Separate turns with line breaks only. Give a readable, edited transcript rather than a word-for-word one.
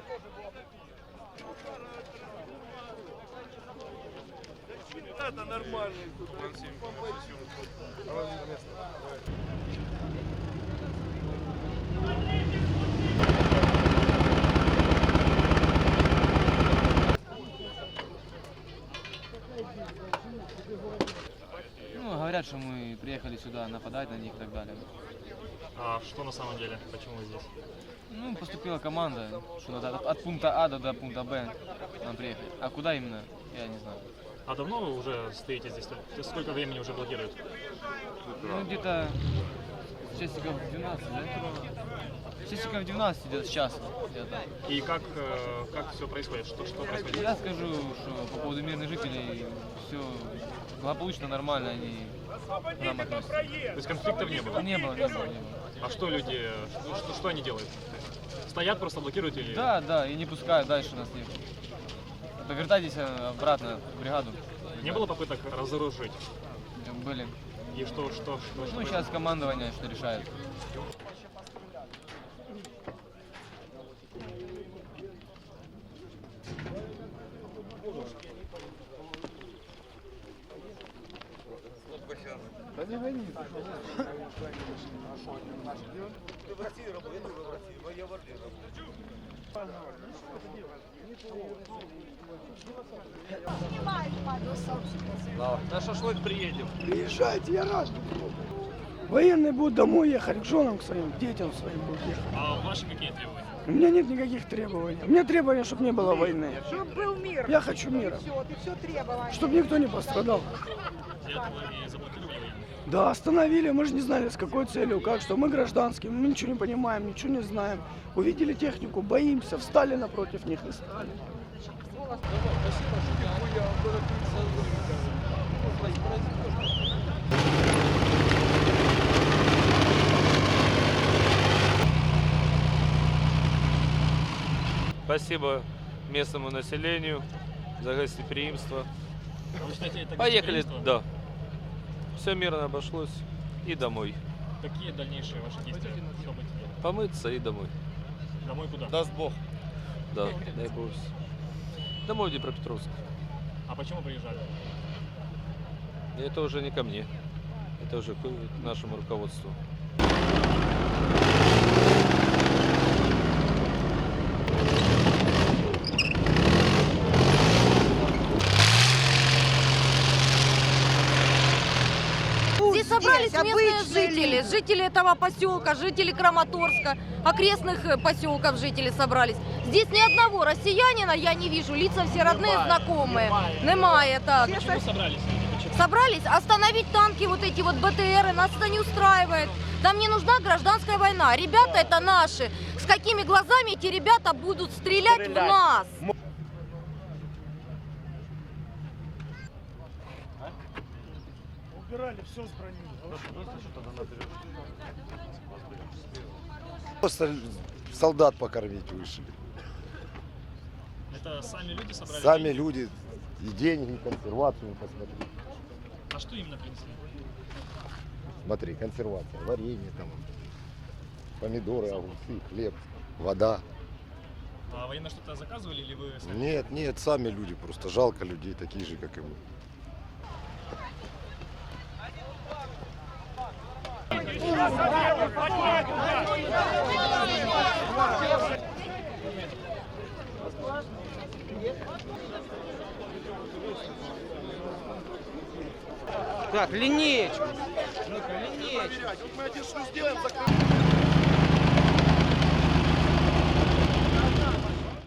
Это нормально.
Ну, говорят, что мы приехали сюда нападать на них и так далее.
А что на самом деле? Почему вы здесь?
Ну, поступила команда, что надо от пункта А до пункта Б нам приехать. А куда именно, я не знаю.
А давно вы уже стоите здесь? Сколько времени уже блокируют?
Ну, где-то часиков 12, да? Часиков 12 идет сейчас.
И как все происходит? Что происходит?
Я скажу, что по поводу мирных жителей все благополучно, нормально, они к нам относятся.
То есть конфликтов не было?
Не было.
А что люди, что они делают? Стоят, просто блокируют или?
Да, и не пускают дальше нас не. Повертайтесь обратно в бригаду.
Не было попыток разоружить?
Были.
И что?
Ну, сейчас командование что решает.
Да не гони.
Ты в России работаешь, я в России, но я в Орле работаю.
На шашлык приедем.
Приезжайте, я рад. Военные будут домой ехать, к женам к своим, к детям своим будут ехать.
А ваши какие требования?
У меня нет никаких требований. У меня требования, чтобы не было войны.
Чтобы был мир.
Я хочу мира.
Все, ты все требовал.
Чтобы никто не пострадал.
Для этого и заблокировали военные?
Да, остановили, мы же не знали, с какой целью, как, что. Мы гражданские, мы ничего не понимаем, ничего не знаем. Увидели технику, боимся, встали напротив них и стали.
Спасибо местному населению за гостеприимство.
А вы считаете, это
Поехали,
гостеприимство?
да. Все мирно обошлось и домой.
Какие дальнейшие ваши действия? Что будете делать?
Помыться и домой.
Домой куда?
Даст Бог. Да, дай Бог. Домой в Днепропетровск.
А почему приезжали?
Это уже не ко мне. Это уже к нашему руководству.
Здесь собрались местные
обычные
жители этого поселка, жители Краматорска, окрестных поселков жители собрались. Здесь ни одного россиянина я не вижу, лица все родные, знакомые. Немає, так.
Почему собрались?
Собрались остановить танки, вот эти вот БТРы, нас это не устраивает. Нам не нужна гражданская война. Ребята это наши. С какими глазами эти ребята будут стрелять в нас?
Убирали все с брони.
Просто солдат покормить вышли.
Это сами люди собрались?
Сами люди и деньги, и консервацию посмотри.
А что именно принесли?
Смотри, консервация, варенье там, помидоры, огурцы, хлеб, вода.
А военные что-то заказывали или вы сами?
Нет, сами люди, просто жалко людей, такие же, как и мы.
Так, линеечку. Ну-ка, линеечку.
Мы один что сделаем, закрываем.